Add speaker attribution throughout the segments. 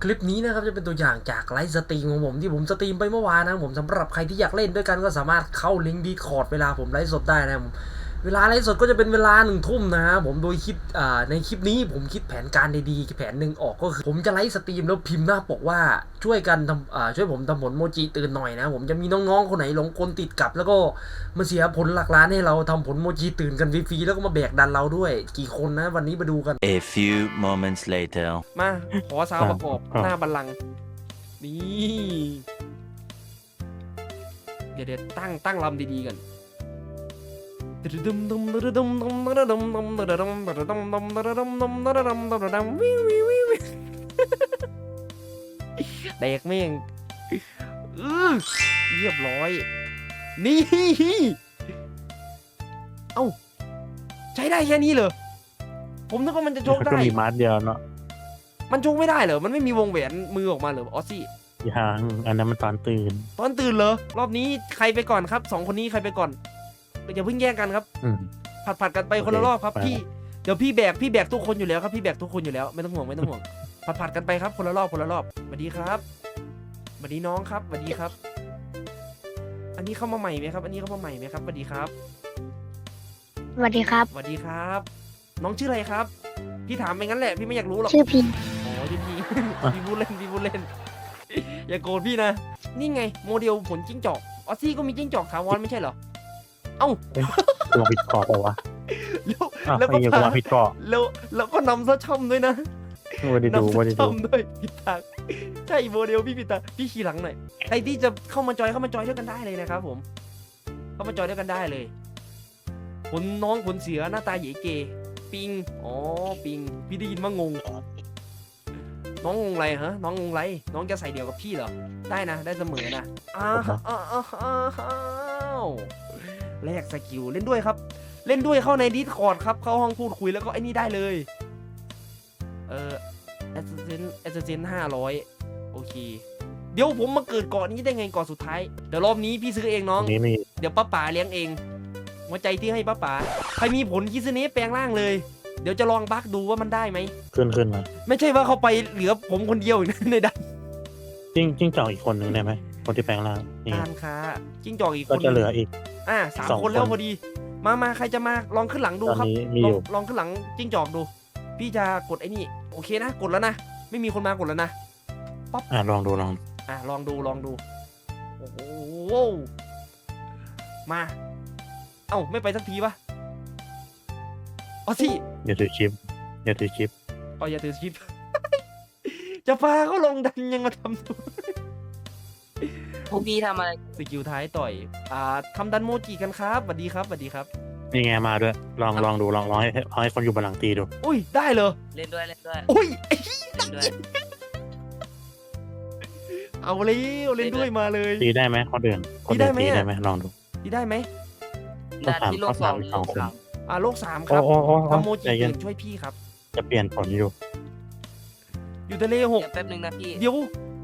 Speaker 1: คลิปนี้นะครับจะเป็นตัวอย่างจากไลฟ์สตรีมของผมที่ผมสตรีมไปเมื่อวานนะผมสำหรับใครที่อยากเล่นด้วยกันก็สามารถเข้าลิงก์ Discord เวลาผมไลฟ์สดได้นะเวลาไลฟ์สดก็จะเป็นเวลา1 ทุ่มนะฮะผมโดยคลิปในคลิปนี้ผมคิดแผนการดีๆแผนหนึ่งออกก็คือผมจะไลฟ์สตรีมแล้วพิมพ์หน้าปกว่าช่วยกันทำช่วยผมทำผลโมจิตื่นหน่อยนะผมจะมีน้องๆคนไหนหลงกลติดกับแล้วก็มาเสียผลหลักล้านให้เราทำผลโมจิตื่นกันฟรีๆแล้วก็มาแบกดันเราด้วยกี่คนนะวันนี้มาดูกัน
Speaker 2: A few moments later
Speaker 3: มาขอซาวประกอบหน้าบัลลังก์นี่เดี๋ยวตั้งลำดีๆกันแดกแม่งเรียบร้อยนี่เอ้าใช้ได้แค่นี้เหรอผมนึกว่ามันจะโชกได้
Speaker 4: ก็มีมาร์ทเดียวเนาะ
Speaker 3: มันโชกไม่ได้เหรอมันไม่มีวงแหวนมือออกมาเหรอออสซี่
Speaker 4: ยังอันนั้นมันตอนตื่น
Speaker 3: ตอนตื่นเหรอรอบนี้ใครไปก่อนครับ2 คนนี้ใครไปก่อนอย่าเพิ่งแย่งกันครับผัดกันไปคนละรอบครับพี่เดี๋ยวพี่แบกทุกคนอยู่แล้วครับพี่แบกทุกคนอยู่แล้วไม่ต้องห่วงผัดกันไปครับคนละรอบสวัสดีครับสวัสดีน้องครับสวัสดีครับ อันนี้เข้ามาใหม่ไหมครับสวัสดีครับ
Speaker 5: สวัสดีครับ
Speaker 3: สวัสดีครับ น้องชื่ออะไรครับพี่ถามไปงั้นแหละพี่ไม่อยากรู้หรอก
Speaker 5: ชื่อพิม
Speaker 3: อ๋อพี่พี่พูดเล่นอย่าโกรธพี่นะนี่ไงโมเดลผลจิ้งจอกออสซี่ก็มีจิ้งจอกถาวรไม่ใช่เหรอเอ้า
Speaker 4: ตัวผิดเกาะปะวะ
Speaker 3: แล้วก็
Speaker 4: ตัวผิดเกาะ
Speaker 3: แล้วก็นำซะช่ำด้วยนะ
Speaker 4: ไม่ได้ดูไม่ได้ดู
Speaker 3: ช่ำด้วยผิดทางใช่โมเดลพี่ผิดทางพี่ขี่หลังหน่อยใครที่จะเข้ามาจอยด้วยกันได้เลยนะครับผมเข้ามาจอยด้วยกันได้เลยผลเสือหน้าตาเหย่เกปิงอ๋อปิงพี่ได้ยินว่างงน้องงงไรฮะน้องงงไรน้องจะใส่เดี่ยวกับพี่เหรอได้นะได้เสมอนะอ้าวแลกสกิลเล่นด้วยครับเล่นด้วยเข้าใน Discord ครับเข้าห้องพูดคุยแล้วก็ไอ้นี่ได้เลยแอสเซน500โอเคเดี๋ยวผมมาเกิดเกาะนี้ได้ไงเกาะสุดท้ายเดี๋ยวรอบนี้พี่ซื้อเองน้องเดี๋ยวป้าป๋าเลี้ยงเองหัวใจที่ให้ป้าป๋าใครมีผลคิสเนสแปลงร่างเลยเดี๋ยวจะลองบักดูว่ามันได้ไหม
Speaker 4: ขึ้นมา
Speaker 3: ไม่ใช่ว่าเขาไปเหลือผมคนเดียวอีกในดัน
Speaker 4: จิ้งจอกอีกคนนึงได้ไหมคนที่แปลงร่างนี่
Speaker 3: การค้าจิ้งจอกอีกคน
Speaker 4: ก็จะเหลืออีก
Speaker 3: 3 คนแล้วพอดีมาใครจะมาลองขึ้นหลังดูครับลองขึ้นหลังจิ้งจอกดูพี่จะกดไอ้นี่โอเคนะกดแล้วนะไม่มีคนมากดแล้วนะป๊อป
Speaker 4: ลองดูลอง
Speaker 3: ดูโอ้โหมาเอ้าไม่ไปสักทีปะอ๋อสิ
Speaker 4: อย่าถือชิป
Speaker 3: อ๋ออย่าถือชิป จะพาเขาลงดันยังมาทำตัว
Speaker 6: พวกพี่ทำอะไร
Speaker 3: สกิลท้ายต่อยทำดันโมจิกันครับสวัสดีครับ
Speaker 4: นี่ไงมาด้วยลองดูลองให้คนอยู่บนหลังตีดู
Speaker 3: อุ้ยได้เลย
Speaker 6: เล่นด้วย
Speaker 3: อุ้ย
Speaker 6: เล่นด้วย
Speaker 3: เอาเลยเล่นด้วยมาเลย
Speaker 4: ตีได้ไหมคนอื่นตีได้ไหมลองดู
Speaker 3: ตีได้ไหม
Speaker 6: ด่านที่โลก 2หรือโลก 3
Speaker 3: โลก 3ครับทำโมจิช่วยพี่ครับ
Speaker 4: จะเปลี่ยนผลอยู่
Speaker 3: ทะเล
Speaker 6: แป๊บนึงนะพี่
Speaker 3: เดี๋ยว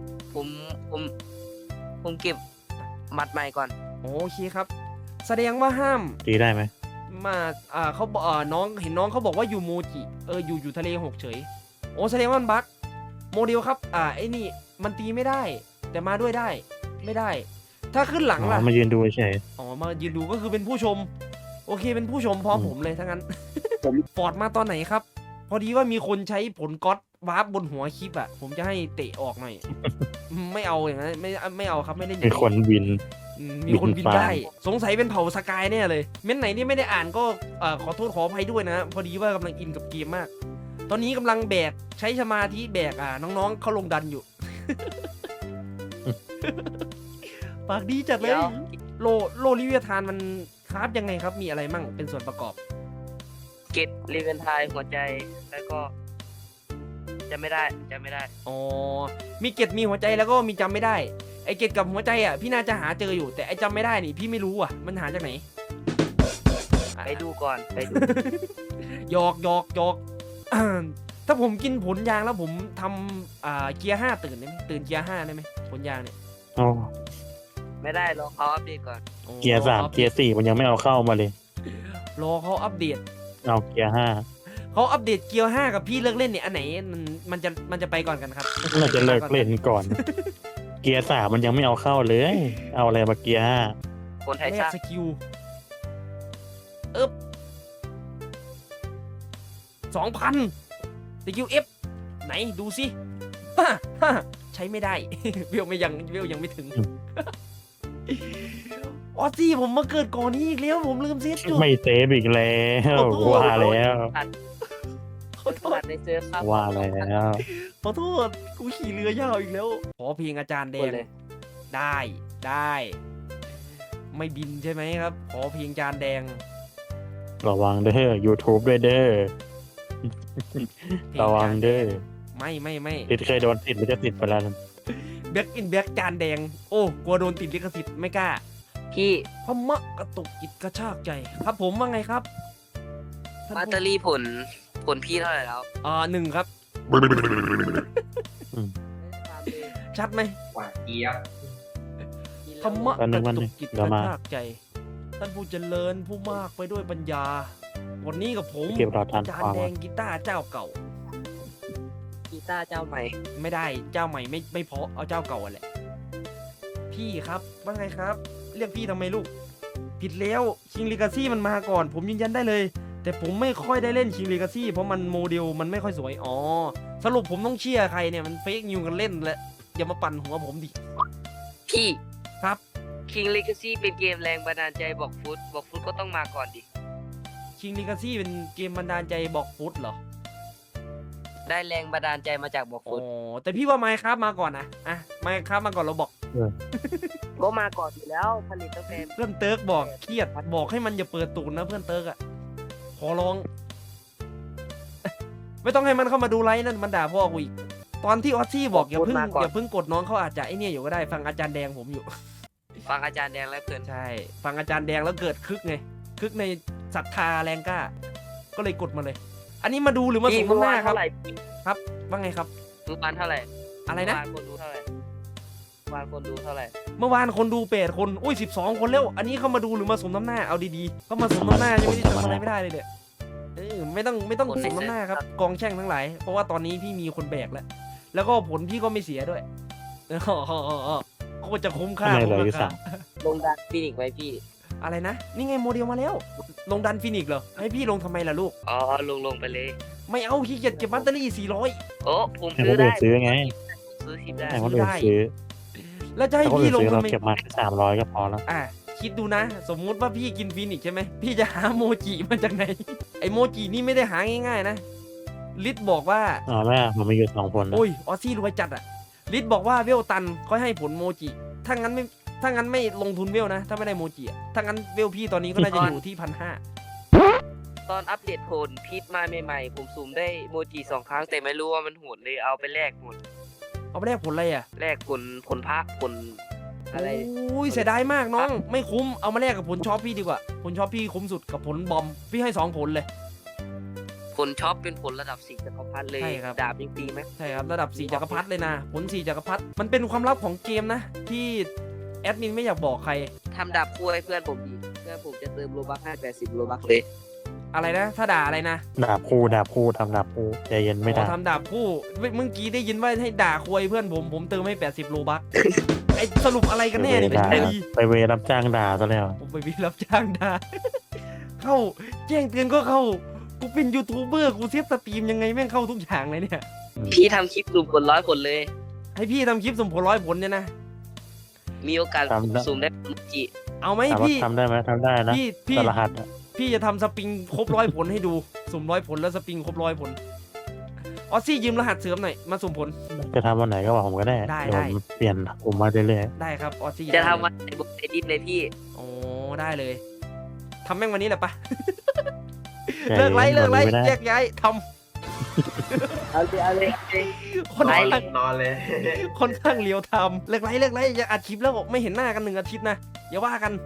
Speaker 6: ผมเก็บมัดใหม่ก่อน
Speaker 3: โอเคครับแสดงว่าห้าม
Speaker 4: ตีได้ไหม
Speaker 3: มาเขาบอกน้องเห็นน้องเขาบอกว่าอยู่โมจิอยู่ทะเล6เฉยโอ้แสดงว่ามันบั๊กโมเดลครับไอ้นี่มันตีไม่ได้แต่มาด้วยได้ไม่ได้ถ้าขึ้นหลังล่ะ
Speaker 4: มายืนดูเฉย
Speaker 3: มายืนดูก็คือเป็นผู้ชมโอเคเป็นผู้ชมพร้อมผมเลยทั้งนั้นผมฟอร์ดมาตอนไหนครับพอดีว่ามีคนใช้ผลก๊อตวาร์ปบนหัวคลิปผมจะให้เตะออกหน่อยไม่เอาอย่างนั้นไม่เอาครับไม่ได้
Speaker 4: มีคนบิน
Speaker 3: ได้สงสัยเป็นเผ่าสกายแน่เลยเม้นไหนนี่ไม่ได้อ่านก็ขอโทษขออภัยด้วยนะพอดีว่ากำลังอินกับเกมมากตอนนี้กำลังแบกใช้สมาธิแบกน้องๆเขาลงดันอยู่ ปากดีจัดเลยโลลิเวียทานมันคราฟยังไงครับมีอะไรมั่งเป็นส่วนประกอบ
Speaker 6: เกตรีเวนทายหัวใจแล้วก็จำไม่ได้
Speaker 3: อ๋อมีเกตมีหัวใจแล้วก็มีจำไม่ได้ไอเกตกับหัวใจพี่น่าจะหาเจออยู่แต่ไอจำไม่ได้นี่พี่ไม่รู้มันหาจากไหน
Speaker 6: ไปดูก่อนไปดู
Speaker 3: หยอกถ้าผมกินผลยางแล้วผมทำเกียร์5ตื่นได้ไหมตื่นเกียร์5ได้ไหมผลยางเนี่ย
Speaker 6: ไม่ได้รอเขาอัปเดตก่อน
Speaker 4: เกียร์3เกียร์4มันยังไม่เอาเข้ามาเลย
Speaker 3: รอเขาอัปเดต
Speaker 4: เอาเกียร์5
Speaker 3: เขาอัปเดตเกียร์5กับพี่เลิกเล่นเนี่ยอันไหนมันจะไปก่อนกันครับ
Speaker 4: น่าจะเลิกเล่นก่อน เกียร์สามมันยังไม่เอาเข้าเลย เอาอะไรมาเกียร์ห้า
Speaker 6: คนไทย
Speaker 3: แล
Speaker 6: ชาก ติ
Speaker 3: สกิล2,000 สกิล F ไหนดูสิฮ่าฮ่าใช้ไม่ได้ เวลยังไม่ถึง ออสซี่ผมมาเกิดก่อนนี้อีกแล้วผมลืมเซฟจุด
Speaker 4: ไม่เซฟอีกแล้ว
Speaker 3: โอ้โห
Speaker 4: ว่าแล้ว
Speaker 6: ขอโทษในเซิร์ฟครับ
Speaker 4: ว่าแล้ว
Speaker 3: ขอโทษกูขี่เรือยาวอีกแล้ว ขอเพลงอาจารย์แด
Speaker 6: คน
Speaker 3: ง
Speaker 6: เลย
Speaker 3: ได้ ไม่บินใช่ไหมครับ ขอเพลงอาจารย์แดง
Speaker 4: ระวังเด้อ YouTube ด้วยเด้อ
Speaker 3: เพล
Speaker 4: ระวังเด้อ
Speaker 3: ไม่
Speaker 4: ติดเคยโดนติดหรือจะติดไปแล้ว
Speaker 3: แบ็กอินแบ็กจานแดง โอ้กลัวโดนติดลิขสิทธิ์ไม่กล้า
Speaker 6: พี่
Speaker 3: พมะกระตุกจิตกระชากใจครับผมว่าไงครับท่าน
Speaker 6: มา
Speaker 3: ผู้
Speaker 6: สเตอรี่ผลพี่เท่าไหร่แล้ว
Speaker 3: 1ครับ ชัดไหม
Speaker 7: หวานเจี๊ยบ
Speaker 3: ธรรมะ
Speaker 4: แป๊บนึ
Speaker 3: ก
Speaker 4: ง
Speaker 3: ระ
Speaker 4: แป๊บนึ
Speaker 3: ตุ
Speaker 4: ง
Speaker 3: กจิตก
Speaker 4: เดี๋ยว
Speaker 3: ระ
Speaker 4: มา
Speaker 3: ชากใจ ท่านผู้เจริญผู้มากไปด้วยปัญญา วันนี้กับผม
Speaker 4: เก็บรอทาน
Speaker 3: จาน
Speaker 4: ความ
Speaker 3: แดงกีตาร์เจ้าเก่า
Speaker 6: กีตาร์เจ้าใหม่
Speaker 3: ไม่ได้เจ้าใหม่ไม่เพราะเอาเจ้าเก่าอะแหละ พี่ครับว่าไงครับ เรียกพี่ทำไมลูก ผิดแล้วคิงลีกาซี่มันมาก่อน ผมยืนยันได้เลย แต่ผมไม่ค่อยได้เล่นคิงลีกาซี่เพราะมันโมเดลมันไม่ค่อยสวยอ๋อสรุปผมต้องเชียร์ใครเนี่ยมันเฟกนิวกันเล่นแหละอย่ามาปั่นหัวผมดิ
Speaker 6: พี่
Speaker 3: ครับ
Speaker 6: King Legacy เป็นเกมแรงบันดาลใจบอกฟุตก็ต้องมาก่อนดิ
Speaker 3: คิงลีกาซี่เป็นเกมบันดาลใจบอกฟุตเหรอ
Speaker 6: ได้แรงบันดาลใจมาจากบอก
Speaker 3: อ๋
Speaker 6: ฟุต
Speaker 3: อแต่พี่ว่าไมค์ครับมาก่อนนะอ่ะไมค์ครับมาก่อนเราบอก
Speaker 6: ก็มาก่อนอยู่แล้วผลิตตั้งแต่
Speaker 3: เพื่อนเติร์กบอกเครียดบอกให้มันอย่าเปิดตูดนะเพื่อนเติร์กอะขอร้อง ไม่ต้องให้มันเข้ามาดูไลฟ์นั่นมันด่าพ่อกูอีกตอนที่ออสซี่บอกอย่าเพิ่งกดน้องเขาอาจจะไอเนี่ยอยู่ก็ได้ฟังอาจารย์แดงผมอยู่
Speaker 6: ฟังอาจารย์แดงและเพื่อน
Speaker 3: ใช่ ฟังอาจารย์แดงแล้วเกิดคึกไงคึกในศรัทธาแรงกล้า ก็เลยกดมาเลย อันนี้มาดูหรือมาส่ง
Speaker 6: เมื่อ
Speaker 3: น้ำห
Speaker 6: วา
Speaker 3: น้าน ครับ
Speaker 6: เท่าไหร่
Speaker 3: ครับว่าไงครับ
Speaker 6: เมื่อวานเท่าไหร่
Speaker 3: อะไรนะ
Speaker 6: เมื่อวานคนดูเท่าไหร่เมื่อวานคนดูเท่าไหร่
Speaker 3: เมื่อวานคนดู8 คนอุ้ย12 คนแล้วอันนี้เข้ามาดูหรือมาสมน้ำหน้าเอาดีๆเข้ามาสมน้ำหน้ายังไม่ได้ทำอะไรไม่ได้เลยเนี่ยไม่ต้องสมน้ำหน้าครับกองแช่งทั้งหลายเพราะว่าตอนนี้พี่มีคนแบกแล้วก็ผลพี่ก็ไม่เสียด้วยก็จะคุ้มค่า
Speaker 4: ทำไมเหลืออยู่
Speaker 3: คุ้มราคา
Speaker 4: สาม
Speaker 6: ลงดันฟินิกซ์ไว้พี่
Speaker 3: อะไรนะนี่ไงโมเดลมาแล้ว ลงดันฟินิกซ์เหรอให้พี่ลงทำไมล่ะลูก
Speaker 6: อ๋อลงไปเลย
Speaker 3: ไม่เอาขี้เกียจเก็บแบตเตอรี่400
Speaker 6: โอ้ผม
Speaker 4: ให้
Speaker 6: ซื้
Speaker 4: ค
Speaker 6: อน ได้
Speaker 4: อื่นซื้อไง
Speaker 6: ซื้อทิปได้
Speaker 4: ให้คนอื่นซื้อ
Speaker 3: แล้วจะให้
Speaker 4: ถ้าคน
Speaker 3: พี่
Speaker 4: อื่น
Speaker 3: ลง
Speaker 4: ซื้อ
Speaker 3: ทำ
Speaker 4: เรา
Speaker 3: ไม
Speaker 4: เก็บมาแค่300ก็พอแล้ว
Speaker 3: คิดดูนะ สมมุติว่าพี่กินฟินิกซ์ใช่ไหมพี่จะหาโมจิมาจากไหน ไอโมจินี่ไม่ได้หาง่ายๆนะลิศบอกว่า
Speaker 4: อ๋อแม่ผมมีอยู่2คนนะ
Speaker 3: โอ้ยออสซี่รวยจัดอะลิศบอกว่าเวลตันก็ให้ผลโมจิถ้างั้นไม่ลงทุนเวลนะ ถ้าไม่ได้โมจิอะถ้างั้นเวลพี่ตอนนี้ก็น่าจะอยู่ที่1,500
Speaker 6: ตอนอัปเดตผลพีทมาใหม่ๆผมซูมได้โมจิ2 ครั้งแต่ไม่รู้ว่ามันโหดเลยเอาไปแลกหมด
Speaker 3: เอาไปแลกผลอะไรอะ
Speaker 6: แลกผลพระผลอะไร
Speaker 3: อุ้ยเสียดายมากน้องไม่คุ้มเอามาแลกกับผลช็อปพี่ดีกว่าผลช็อปพี่คุ้มสุดกับผลบอมพี่ให้2 ผลเลย
Speaker 6: ผลช็อปเป็นผลระดับ4 จักรพรรดิเลย
Speaker 3: ใช่ครับ
Speaker 6: ดาบยังตีไหม
Speaker 3: ใช่ครับระดับ4 จักรพรรดิเลยนะผล4 จักรพรรดิมันเป็นความลับของเกมนะที่แอดมินไม่อยากบอกใคร
Speaker 6: ทำดาบคู่ให้เพื่อนผมดีเพื่อนผมจะเติมโลบัคให้80โลบัคเลย
Speaker 3: อะไรนะถ้าด่าอะไรนะ
Speaker 4: ดาบคู่ทำดาบคู่ใจเย็นไม่ได้
Speaker 3: ทำดาบคู่เมื่อกี้ได้ยินว่าให้ด่าควยเพื่อนผมเติมให้80 โลบัค ไอสรุปอะไรกันแน่เนี่ยเป็น
Speaker 4: ด่า
Speaker 3: ไงดี
Speaker 4: ไปเวรับจ้างด่าซะแล้ว
Speaker 3: ผมไปวิรับจ้างด่า เข้าแจ้งเตือนก็เข้ากูเป็นยูทูบเบอร์กูเซฟสตรีมยังไงแม่งเข้าทุกอย่างเลยเนี่ย
Speaker 6: พี่ทำคลิปซูมผล100 ผลเลย
Speaker 3: ให้พี่ทำคลิปสมผล100 ผลเนี่ยนะ
Speaker 6: มีโอกาสซูมได้โมจิ
Speaker 3: เอาไหม
Speaker 4: ถามว่า
Speaker 3: พี่
Speaker 4: ทำได้ไหมทำได้นะ
Speaker 3: พี่
Speaker 4: แต่รหัสอะ
Speaker 3: พี่จะทำสปริงครบ100 ผลให้ดูสุ่ม100 ผลแล้วสปริงครบ100 ผลออสซี่ยืมรหัสเสริมหน่อยมาสุ่มผล
Speaker 4: จะทำวันไหนก็บอกผมก็ได้
Speaker 3: ได้
Speaker 4: เดี๋ยวผมเปลี่ยนผมมาเรื่อย
Speaker 3: ได้ครับออสซี่
Speaker 6: จะทำวันในบทเอดิทเลยพี่
Speaker 3: โอ้ได้เลยทำแม่งวันนี้แหละปะ
Speaker 4: ๆ
Speaker 3: เลิกไลฟ์
Speaker 4: วันนี้ม่ด้
Speaker 3: แยกย้ายท
Speaker 6: เอาเลย
Speaker 3: ำคน
Speaker 6: ไล
Speaker 3: ข้าง
Speaker 6: ฟ์
Speaker 7: นอนเลย
Speaker 3: ค่อนข้างเลียวทำเลิกไลฟ์อย่าอัดคลิปแล้วไม่เห็นหน้ากัน1 อาทิตย์นะอย่าว่ากัน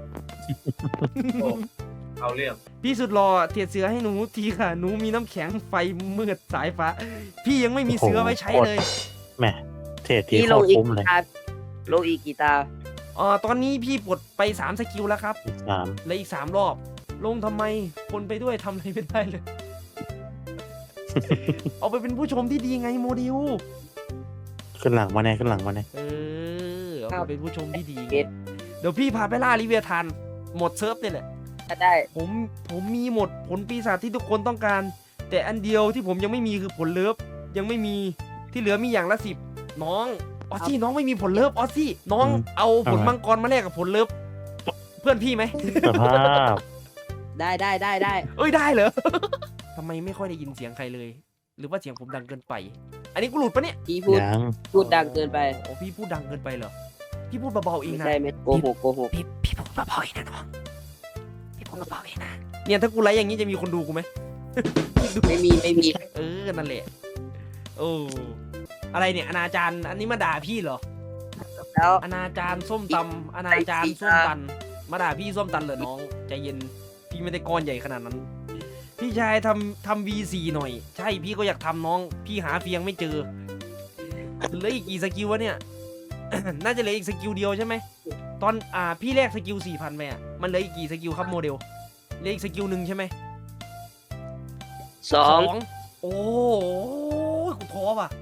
Speaker 7: เอาเรื่อง
Speaker 3: พี่สุดหล่อเทียดเสือให้หนูทีค่ะหนูมีน้ำแข็งไฟมืดสายฟ้า พี่ยังไม่มีเสือไว้ใช้เลย
Speaker 4: แหมเทรดที
Speaker 6: พี่
Speaker 4: โค
Speaker 6: ลง
Speaker 4: ตร
Speaker 6: อีก
Speaker 4: คุ้มเลย
Speaker 6: ลงอีกกี่ตา
Speaker 3: ตอนนี้พี่ปลดไป3 สกิลแล้วครับ
Speaker 4: อีก3
Speaker 3: เหลืออีก3 รอบ ลงทำไมคนไปด้วยทำอะไรไม่ได้เลยเอาไปเป็นผู้ชมที่ดีไงโมเดล
Speaker 4: ขึ้นหลังมาแน่ขึ้นหลังมาแน่
Speaker 3: เอาไปเป็นผู้ชมที่ดีไงเดี๋ยวพี่พาไปล่าลิเวียทันหมดเซิร์ฟเนี่ยแหละ
Speaker 6: ถ้าได้
Speaker 3: ผมมีหมดผลปีศาจที่ทุกคนต้องการ แต่อันเดียวที่ผมยังไม่มีคือผลเลิฟยังไม่มีที่เหลือมีอย่างละ10น้องออสซี่น้องไม่มีผลเลิฟออสซี่น้องเอาผลมังกรมาแลกกับผลเลิฟเพื่อนพี่ไหม
Speaker 4: สภาพ
Speaker 6: ได้
Speaker 3: เอ้ยได้เหรอ ทำไมไม่ค่อยได้ยินเสียงใครเลย หรือว่าเสียงผมดังเกินไป อันนี้กูหลุดปะเนี่ย
Speaker 6: พี่พูด
Speaker 4: ยัง
Speaker 6: พูดดังเกินไป
Speaker 3: โอ้พี่พูดดังเกินไปเหรอพี่พูดเบาๆเอง
Speaker 6: ไม่
Speaker 3: นะ
Speaker 6: ใช่ไหมโกหกโกหก
Speaker 3: พี่พูดเบาๆเองนะน้องพี่พูดเบาๆเองนะเนี่ยถ้ากูไลฟ์อย่างนี้จะมีคนดูกูไหม
Speaker 6: ไม่มี
Speaker 3: นั่นแหละโอ้อะไรเนี่ยอนาจารอันนี้มาด่าพี่เหรอ
Speaker 6: แล้ว
Speaker 3: อนาจารส้มตำอนาจารส้มตันมาด่าพี่ส้มตันเหรอน้องใจเย็นพี่ไม่ได้ก้อนใหญ่ขนาดนั้น พี่ชายทำ V4 หน่อย ใช่พี่ก็อยากทำน้อง พี่หาเฟียงไม่เจอเหลืออีกกี่สกิลวะเนี่ย น่าจะเหลืออีกสกิลเดียวใช่ไหมตอนพี่แลกสกิล 4,000ไปมันเหลืออีกกี่สกิลครับโมเดลเหลืออีกสกิลหนึ่งใช่ไหม
Speaker 6: สอง
Speaker 3: โอ้ยกูท้อว่ะ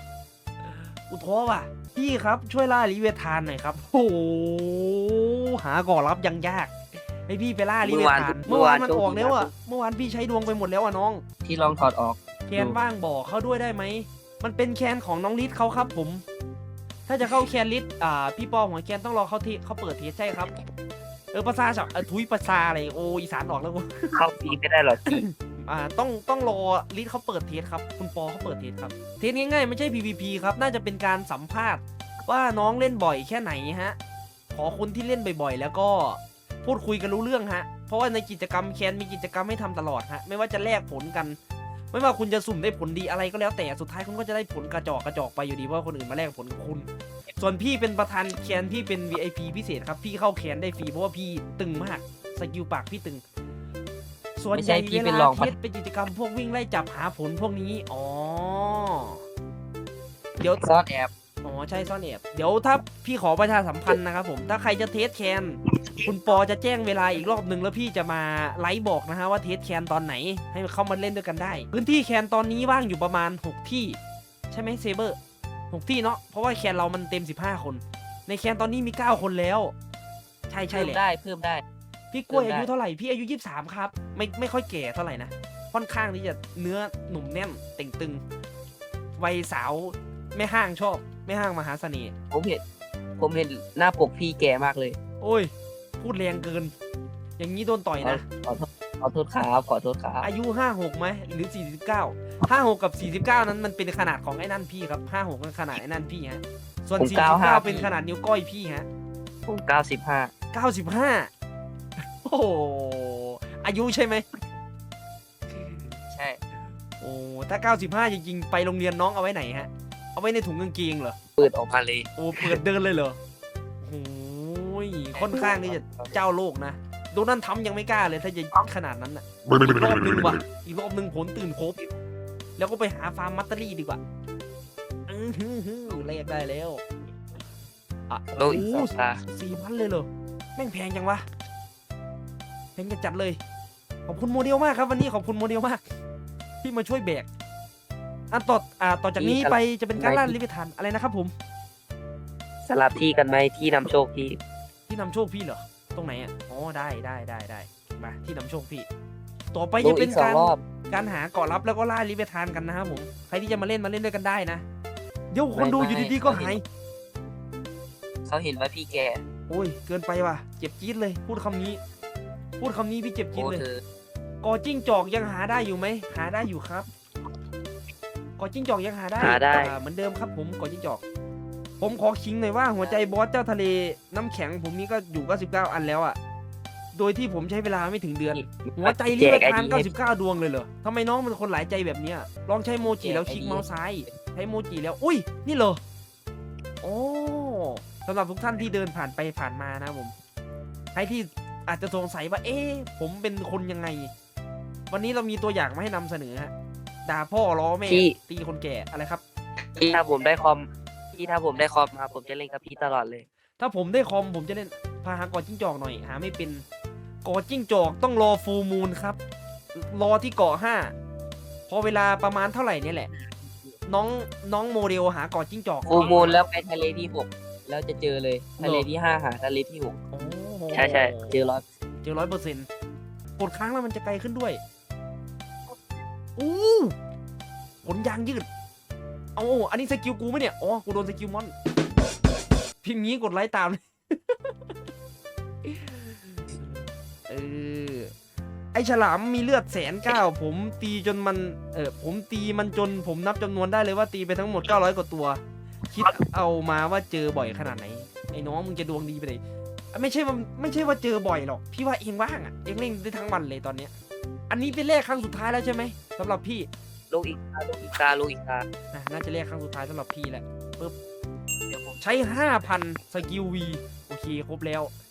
Speaker 3: พี่ครับช่วยล่าลิเวทานหน่อยครับโอ้โหหาก่อรับยังยากให้พี่ไปล่าลิเวทานเมื่อวานมันออกแล้วอ่ะเมื่อวานพี่ใช้ดวงไปหมดแล้วอ่ะน้อง
Speaker 6: ที่ลองถอดออก
Speaker 3: แคนว่างบอกเขาด้วยได้ไหมมันเป็นแคนของน้องลิศเขาครับผม ถ้าจะเข้าแคนลิศพี่ปอหัวแคนต้องรอเขาเปิดเทสใช่ครับภาษาทุยภาษาอะไรโออีสานออกแล้วกู
Speaker 6: เข้าฟรีไม่ได้หรอกพี่
Speaker 3: ต้องรอลิศเขาเปิดเทสครับคุณปอเขาเปิดเทสครับเทสง่ายๆไม่ใช่ PVP ครับน่าจะเป็นการสัมภาษณ์ว่าน้องเล่นบ่อยแค่ไหนฮะขอคนที่เล่นบ่อยๆแล้วก็พูดคุยกันรู้เรื่องฮะเพราะว่าในกิจกรรมแคนมีกิจกรรมให้ทำตลอดฮะไม่ว่าจะแลกผลกัน ไม่ว่าคุณจะสุ่มได้ผลดีอะไรก็แล้วแต่สุดท้ายคุณก็จะได้ผลกระจอกไปอยู่ดีเพราะคนอื่นมาแลกผลกับคุณ ส่วนพี่เป็นประธานแคนพี่เป็น VIP พิเศษครับพี่เข้าแคนได้ฟรีเพราะว่าพี่ตึงมากสกิลปากพี่ตึงส่วนใหญ่เวลาเทสเป็นกิจกรรมพวกวิ่งไล่จับหาผลพวกนี้อ๋อเดี๋ยว
Speaker 6: ซ่อนแอบ
Speaker 3: อ๋อใช่ซ่อนแอบเดี๋ยวถ้าพี่ขอประชาสัมพันธ์นะครับผมถ้าใครจะเทสแคนคุณปอจะแจ้งเวลาอีกรอบหนึ่งแล้วพี่จะมาไลฟ์บอกนะฮะว่าเทสแคนตอนไหนให้เข้ามาเล่นด้วยกันได้พื้นที่แคนตอนนี้ว่างอยู่ประมาณ6ที่ใช่ไหมเซเบอร์6ที่เนาะเพราะว่าแคนเรามันเต็ม15คนในแคนตอนนี้มี9คนแล้วใช่
Speaker 6: เพิ่ม
Speaker 3: แหละ
Speaker 6: ได้เพิ่มได้
Speaker 3: พี่กล้วยอายุเท่าไหร่พี่อายุ23ครับไม่ค่อยแก่เท่าไหร่นะค่อนข้างที่จะเนื้อหนุ่มแน่นเต่งตึงวัยสาวแม่ห้างชอบแม่ห้างมหาเสน่ห์
Speaker 6: ผมเห็นหน้าปกพี่แก่มากเลย
Speaker 3: โอ้ยพูดแรงเกิน อย่างนี้โดนต่อยนะ
Speaker 6: ขอโทษครับขอโทษครับ
Speaker 3: อายุ56ไหมหรือ49 56กับ49นั้นมันเป็นขนาดของไอ้นั่นพี่ครับ56เป็นขนาดไอ้นั่นพี่ฮะส่วน49เป็นขนาดนิ้วก้อยพี่ฮะ
Speaker 6: ผม95
Speaker 3: 95โอ้โหอายุใช่ไหม
Speaker 6: ใช่
Speaker 3: โอ้ถ้า95จริงๆไปโรงเรียนน้องเอาไว้ไหนฮะเอาไว้ในถุงกางเกงเหรอ
Speaker 6: เปิดออกมาเลย
Speaker 3: โอ้เปิดเดินเลยเหรอโอ้ยค่อนข้างที่จะเจ้าโลกนะโดนัลด์ทรัมป์ยังไม่กล้าเลยถ้าจะขนาดนั้นอ่ะอีกรอบนึงว่ะอีกรอบนึงผลตื่นครบแล้วก็ไปหาฟาร์มมัตเตอรี่ดีกว่าเลขได้แล้วอ่ะ
Speaker 6: โลอีก2 ตา
Speaker 3: 4,000เลยเหรอแม่งแพงจังวะแพงจัดเลยขอบคุณโมเดลมากครับวันนี้ขอบคุณโมเดลมากที่มาช่วยแบกต่อจากนี้ไปจะเป็นการล่าลิเวทานอะไรนะครับผม
Speaker 6: สลับที่กันไหมที่นำโชคพี่
Speaker 3: ที่นำโชคพี่เหรอตรงไหนอ่ะอ๋อได้มาที่นำโชคพี่ต่อไปจะเป็น
Speaker 6: ลงอีก
Speaker 3: การ
Speaker 6: 2 รอบ
Speaker 3: การหาเกาะลับแล้วก็ล่าลิเวทานกันนะครับผมใครที่จะมาเล่นด้วยกันได้นะเดี๋ยวคนดูอยู่ดีๆก็หาย
Speaker 6: เขาเห็นว่าพี่แก่
Speaker 3: โอ้ยเกินไปว่ะเจ็บจี๊ดเลยพูดคำนี้พี่เจ็บจี๊ด
Speaker 6: โอ้
Speaker 3: เลย
Speaker 6: เธอ
Speaker 3: กอจิ้งจอกยังหาได้อยู่ไหมหาได้อยู่ครับกอจิ้งจอกยังหาได้เหมือนเดิมครับผมกอจิ้งจอกผมขอคิงหน่อยว่าหัวใจบอสเจ้าทะเลน้ำแข็งผมนี่ก็อยู่99อันแล้วอ่ะโดยที่ผมใช้เวลาไม่ถึงเดือนหัวใจลิเวอร์ทาน99ดวงเลยเหรอทำไมน้องเป็นคนหลายใจแบบเนี้ยลองใช้โมจิแล้วคลิกเมาส์ซ้ายใช้โมจิแล้วอุ้ยนี่เหรอโอ้สำหรับทุกท่านที่เดินผ่านไปผ่านมานะผมใครที่อาจจะสงสัยว่าผมเป็นคนยังไงวันนี้เรามีตัวอย่างมาให้นำเสนอฮะด่าพ่อล้อแม่ตีคนแก่อะไรครับ
Speaker 6: พี่ถ้าผมได้คอมมาผมจะเล่นกับพี่ตลอดเลย
Speaker 3: ถ้าผมได้คอมผมจะเล่นพาหากอจิ้งจอกหน่อยหาไม่เป็นกอจิ้งจอกต้องรอฟูลมูนครับรอที่เกาะ5 พอเวลาประมาณเท่าไหร่เนี่ยแหละ น้องโมเดลหาเกาะจิ้งจอก
Speaker 6: ฟูลมูลแล้วไปทะเลที่หกแล้วจะเจอเลยทะเลที่ห้าหาทะเลที่หก
Speaker 3: โอ้โห
Speaker 6: ใช่ใช่เจอ100
Speaker 3: เจอ100%กดครั้งแล้วมันจะไกลขึ้นด้วยอู้ผลยางยืดเอาอันนี้สกิลกูไหมเนี่ยอ๋อกูโดนสกิลมอนพิมพ์งี้กดไลค์ตาม เออไอฉลามมีเลือด109,000ผมตีจนมันผมตีมันจนผมนับจำนวนได้เลยว่าตีไปทั้งหมด900 กว่าตัว คิดเอามาว่าเจอบ่อยขนาดไหนไอ้น้องมึงจะดวงดีไปเลยไม่ใช่ว่าเจอบ่อยหรอกพี่ว่าเองว่างอ่ะเองเล่นได้ทั้งวันเลยตอนเนี้ยอันนี้เป็นแรกครั้งสุดท้ายแล้วใช่ไหมสำหรับพี่
Speaker 6: ลูกอีกา
Speaker 3: น่าจะแรกครั้งสุดท้ายสำหรับพี่แหละปึ๊บ
Speaker 6: เดี๋ยวผม
Speaker 3: ใช้ 5,000 สกิลวีโอเคครบแล้ว